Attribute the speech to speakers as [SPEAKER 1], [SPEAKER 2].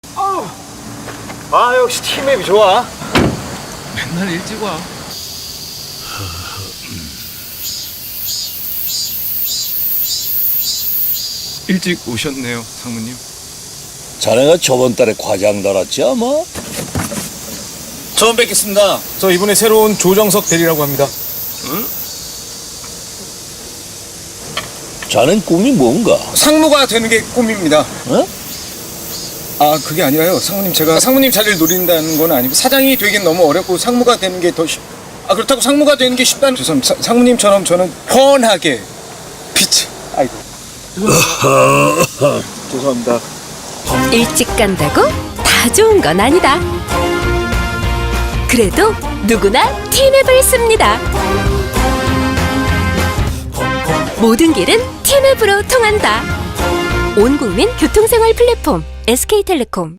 [SPEAKER 1] 아, 역시 팀맵이 좋아.
[SPEAKER 2] 맨날 일찍 와. 일찍 오셨네요, 상무님.
[SPEAKER 3] 자네가 저번 달에 과장 달았지 아마?
[SPEAKER 1] 처음 뵙겠습니다. 저 이번에 새로운 조정석 대리라고 합니다.
[SPEAKER 3] 자넨 꿈이 뭔가?
[SPEAKER 1] 상무가 되는 게 꿈입니다.
[SPEAKER 3] 어?
[SPEAKER 1] 아, 그게 아니라요. 상무님, 제가 상무님 자리를 노린다는 건 아니고 사장이 되긴 너무 어렵고 상무가 되는 게 더 그렇다고 상무가 되는 게 쉽다는. 죄송합니다. 상무님처럼 저는 훤하게 아이고. 죄송합니다.
[SPEAKER 4] 일찍 간다고 다 좋은 건 아니다. 그래도 누구나 티맵을 씁니다. 모든 길은 티맵으로 통한다. 온 국민 교통생활 플랫폼 SK텔레콤.